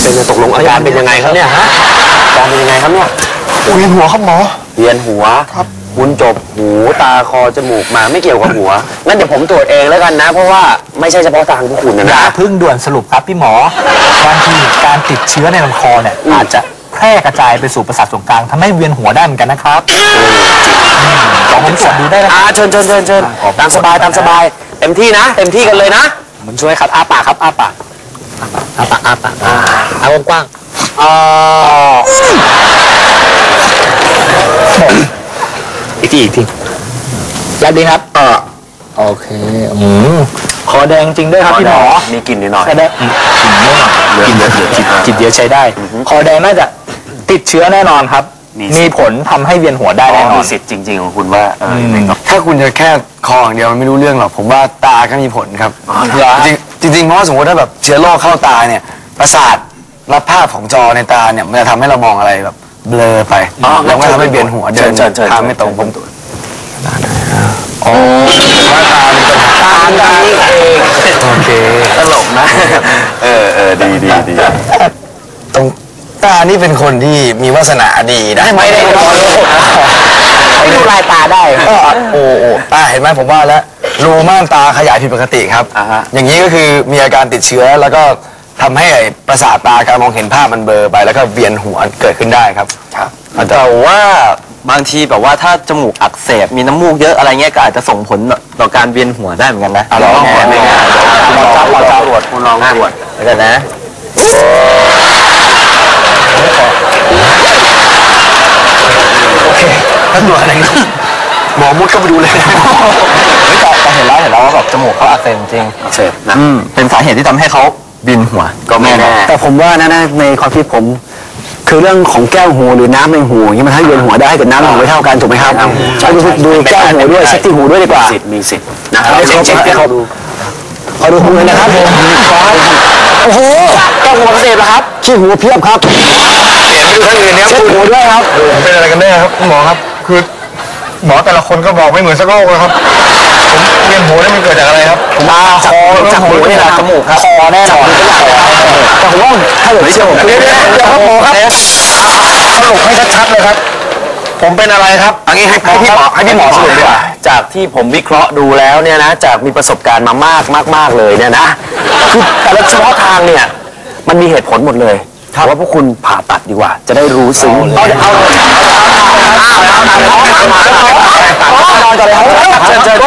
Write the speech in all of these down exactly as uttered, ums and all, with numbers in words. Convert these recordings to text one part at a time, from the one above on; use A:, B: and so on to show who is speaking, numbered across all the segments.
A: เป็นตกลงอาการเป็นยังไงครับเนี่ยฮะอาการเป็นยังไงครับเนี่ย
B: เวียนหัวครับหมอ
A: เวียนหัวครับคุณจบหูตาคอจมูกมาไม่เกี่ยวกับหัวงั้นเดี๋ยวผมตรวจเองแล้วกันนะเพราะว่าไม่ใช่เฉพาะทางพวกคุณนะ
C: อย่าพึ่งด่วนสรุปครับพี่หมอบางทีการติดเชื้อในลำคอเนี่ยอาจจะแพร่กระจายไปสู่ประสาทส่วนกลางทำให้เวียนหัวได้เหมือนกันนะครับลองผมตรวจดูได้นะ
A: อ่าเชิญเชิญเชิญเชิญตามสบายตามสบายเต็มที่นะเต็มที่กันเลยนะ
C: ผมช่วยครับอ้าปากครับอ้าปากอ้าปากอ้าปากอ้ากว้างอ๋ออีกทีอีกทีแล้วดีครับอ่าโอเคอืมคอแดงจริงด้วยครับพี่หมอ
A: มีกลิ่นนิดหน่อย
C: แสดงกลิ่นไม่หน่อยกลิ่นเยอะจิตเยอะใช้ได้คอแดงน่าจะติดเชื้อแน่นอนครับมีผลทำให้เวียนหัวได้แน่นอน
A: มีสิทธิ์จริงๆของคุณว่า
B: ถ้าคุณจะแค่คออย่างเดียวมันไม่รู้เรื่องหรอกผมว่าตาก็มีผลครับจริงจริงเพราะสมมติถ้าแบบเชื้อโรคเข้าตาเนี่ยประสาทรับภาพของจอในตาเนี่ยมันจะทำให้เรามองอะไรแบบเบลอไปแล้วก็ทำให้เวียนหัวเดินทางไม่ตรงผมตัวอ๋อว่าตาตาตานี่เองโอเค
A: ตลกนะเออเออดีดีดี
B: ตรงตานี่เป็นคนที่มีวาสนาดีนะ
A: ไม่ได้
C: ไม่ดูลายตาได้
B: ก็โอ้โอ้ตาเห็นไหมผมว่าแล้วรูม่านตาขยายผิดปกติครับอย่างนี้ก็คือมีอาการติดเชื้อแล้วก็ทำให้ประสาทตาการมองเห็นภาพมันเบลอไปแล้วก็เวียนหัวเกิดขึ้นได้ครับ
A: ครับแต่ว่าบางทีแบบว่าถ้าจมูกอักเสบมีน้ำมูกเยอะอะไรเงี้ยก็อาจจะส่งผลต่อการเวียนหัวได้เหมือนกันนะ
B: ลองแไม่ง่าย
A: คุณลองจับลองตรวจคุณลองตรวจแล้วกันนะ
B: โอเคถ้าตรวจอะไรหมอมุดก็ไปดูเลย
C: ไม่ตอบแต่เห็นแล้วเห็นแล้วว่าแบบจมูกเขาอักเสบจริง
A: อักเสบนะ
C: เป็นสาเหตุที่ทำให้เขาเวียนหัว
A: ก็ไม่แน่
B: แต่ผมว่านะนะในความคิดผมคือเรื่องของแก้วหูหรือน้ำในหูอย่างนี้มันให้เวียนหัวได้แต่น้ำในหูไม่เท่ากันถูกไหมครับดูดูแก้วหูด้วยเช็คที่หูด้วยดีกว่า
A: สิทธิ์มีสิทธิ์นะครับ
B: เช็คเช็คให้เขาดูขอดูหูเลยนะครับผมโอ้โหแก้วหูอักเสบครับขี้หูเพียบครับเปลี่ยนไปดูท่านอื่นเนี่ยเช็คหูด้วยครับเป็นอะไรกันแน่ครับคุณหมอครับคือหมอแต่ละคนก็บอกไม่เหมือนสักโรคเลยครับผมเวียนหัวนี่มันเกิดจากอะไรครับ
C: ตาคอจากหูนี่แหละจมูกครับคอแน่นอน
B: แต่ผมว่าถ้าเกิดเชื่อผมเดี๋ยวเดี๋ยวครับหมอครับสรุปให้ชัดๆเลยครับผมเป็นอะไรครับ
A: อันนี้ให้พี่หมอให้พี่หมอสรุปดีกว่าจากที่ผมวิเคราะห์ดูแล้วเนี่ยนะจากมีประสบการณ์มามากมากๆเลยเนี่ยนะคือแต่ละเฉพาะทางเนี่ยมันมีเหตุผลหมดเลยว่าพวกคุณผ่าตัดดีกว่าจะได้รู้ซึ้งเอาเอาเอานอนก่อนเลยครับเชิญเชิญ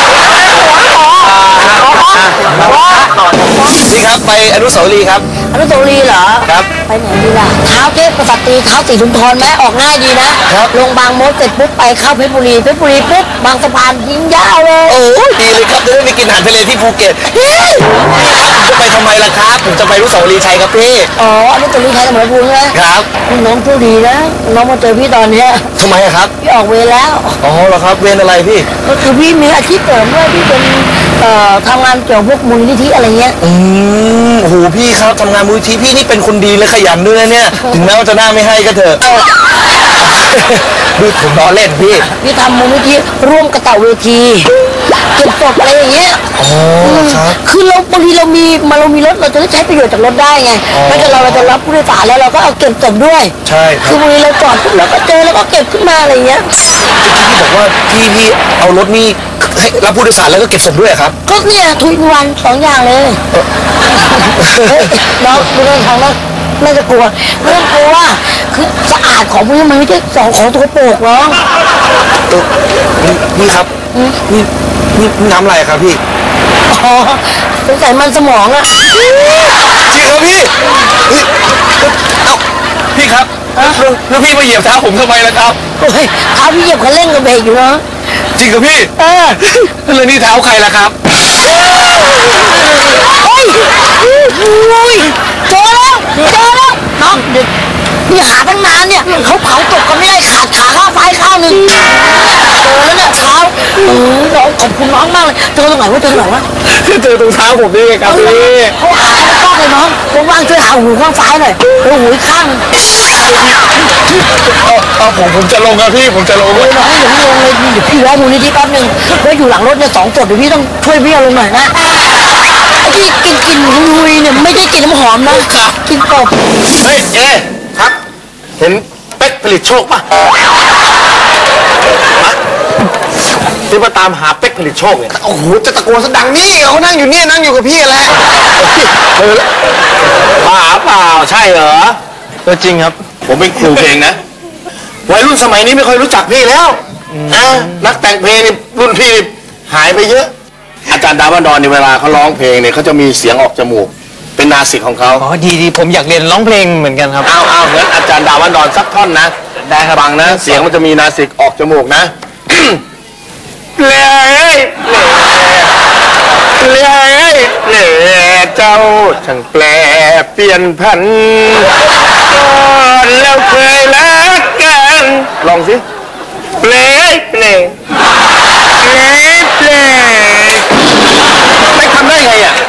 A: นี่ครับไปอนุสาวรีย์ครับ
D: อนุสาวรีย์เหรอ
A: ครับ
D: ไปไหนดีล่ะเท้าเทพกษัตริย์เท้าสีชุมพรไหมออกง่ายดีนะลงบางมดเสร็จปุ๊บไปเข้าเพชรบุรีเพชรบุรีปุ๊บบางสะพานยิงยาวเลย
A: โอ้ดีเลยครับจะได้ไปกินอาหารทะเลที่ภูเก็ตจะไปทำไมล่ะครับผมจะไปอนุสาวรีย์ชัยครับพี่
D: อ๋ออนุสาวรีย์ชัยสมรภูมิ
A: นะครับ
D: น้องผู้ดีนะน้องมาเจอพี่ตอนเนี้ย
A: ทำไมครับ
D: พี่ออกเวรแล้ว
A: อ๋อเหรอครับเวรอะไรพี่
D: ก็คือพี่มีอาชีพเสริมด้วยพี่เป็นเอ่อทำงานเกี่ยวกับพวกมูลนิธิอะไรเงี้ย
A: อืมโอ้โหพี่ครับทำงานมูลนิธิพี่นี่เป็นคนดีและขยันด้วยนะเนี่ยถึงแม้ว่าจะหน้าไม่ให้ก็เถอะดูผมล้อเล่นพี่
D: พี่ทำมูลนิธิร่วมกระต่ายเวทีเก็บศพอะไรอย่างเงี้ย
A: อ๋อครับ
D: คือเราบางทีเรามีมาเรามีรถเราจะได้ใช้ประโยชน์จากรถได้ไงไม่ใช่เราเราจะรับผู้โดยสารแล้วเราก็เอาเก็บศพด้วย
A: ใช่
D: คือบางทีเราจอดแล้วก็เจอแล้วก็เก็บขึ้นมาอะไรเงี้ย
A: พี่บอกว่าพี่พี่เอารถนี่ให้รับผู้โดยสารแล้วก็เก็บศพด้วยครับ
D: ก็เนี่ยทุกวันสองอย่างเลยน้องไม่ต้องทำแล้วไม่จะกลัวไม่ต้องกลัวคือสะอาดของพวกนี้มันไม่ใช่สองของตัวโปกเนาะ
A: นี่ครับนี่นี่น้ำอะไรครับพี่
D: อ๋อสงสัยมันสมองอะ
A: จริงครับพี่เอ้าพี่ครับแล้วพี่มาเหยียบเท้าผมทำไมล่ะครับ
D: เฮ้ยเท้าพี่เหยียบคันเร่งกับเบรกอยู่เนาะ
A: จริงกับพี่เออแล้วนี่เท้าใครล่ะครับ
D: เฮ้ยอุ้ยเจอแล้วเจอแล้วน้องเด็กนี่หาตั้งนานเนี่ยเขาเผาตกกันไม่ได้ขาดขาข้าวไฟข้าวหนึ่งเจอแล้วเนี่ยเท้าเออเราขอบคุณน้องมากเลยเจอตรงไหนวะเจอตรงไหนวะ
A: เจอตรงเท้าผมนี่ไงครับพี่
D: เขาหาข้างเลยน้องว่างๆช่วยหาหูข้างซ้ายหน่อยแล้วหูข้าง
A: เอาผมผมจะลงครับพี่ผมจะลง
D: เลยน้องอย่าพี่ลงเลยเดี๋ยวพี่แวะมูลนิธิแป๊บนึงแล้วอยู่หลังรถเนี่ยสองศพเดี๋ยวพี่ต้องช่วยพี่ลงหน่อยนะที่กินกลิ่นหุยๆเนี่ยไม่ได้กลิ่นน้ำหอมนะกลิ่นกบ
E: เฮ้ยเอ๊ครับ เห็นเป๊กผลิตโชคป่ะที่มาตามหาเป๊กผลิตโชคเนี่ย
B: โอ้โหจะตะโกนซะดังนี่เขานั่งอยู่เนี่ยนั่งอยู่กับพี่แหละ
E: เออป่าเปล่าใช่เหรอ
B: ก็จริงครับ
E: ผมเป็นครูเพลงนะวัยรุ่นสมัยนี้ไม่ค่อยรู้จักพี่แล้วนะนักแต่งเพลงนี่รุ่นพี่นี่หายไปเยอะ อาจารย์ดาวบันดอนในเวลาเขาร้องเพลงเนี่ยเขาจะมีเสียงออกจมูก เป็นนาสิกของเขา
B: อ๋อดีดีผมอยากเรียนร้องเพลงเหมือนกันครับ
E: เอาเอางั้นอาจารย์ดาวบันดอนสักท่อนนะได้ครับฟังนะ เสียงมันจะมีนาสิกออกจมูกนะเล่เล่เล่เจ้าช่างแปลเปลี่ยนพันก่อนแล้วเคยรักกันลองสิเปลเปลเปลเปลไปทำได้ไงอ่ะ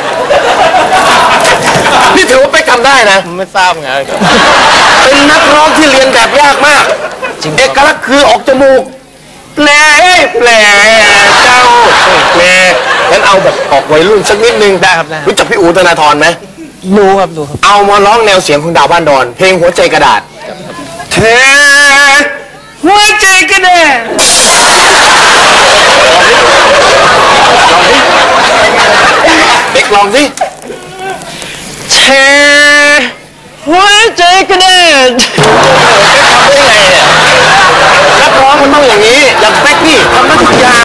E: นี่ถือว่าไปทำได้นะไม่ทราบไงเป็นนักร้องที่เรียนแบบยากมากเอกลักษณ์คือออกจมูกเปลเปลเจ้าเปลงั้นเอาแบบออกวัยรุ่นสักนิดนึงได้ครับรู้จักพี่อู๋ธนาธรไหม
B: รู้ครับรู้ครับ
E: เอามาร้องแนวเสียงของดาวบ้านดอนเพลงหัวใจกระดาษเธอหัวใจกระดาษเด็กลองสิเธอหัวใจกระดาษทำได้ไงเนี่ยนักร้องมันต้องอย่างนี้อย่างเป๊กนี่ทำได้ทุกอย่าง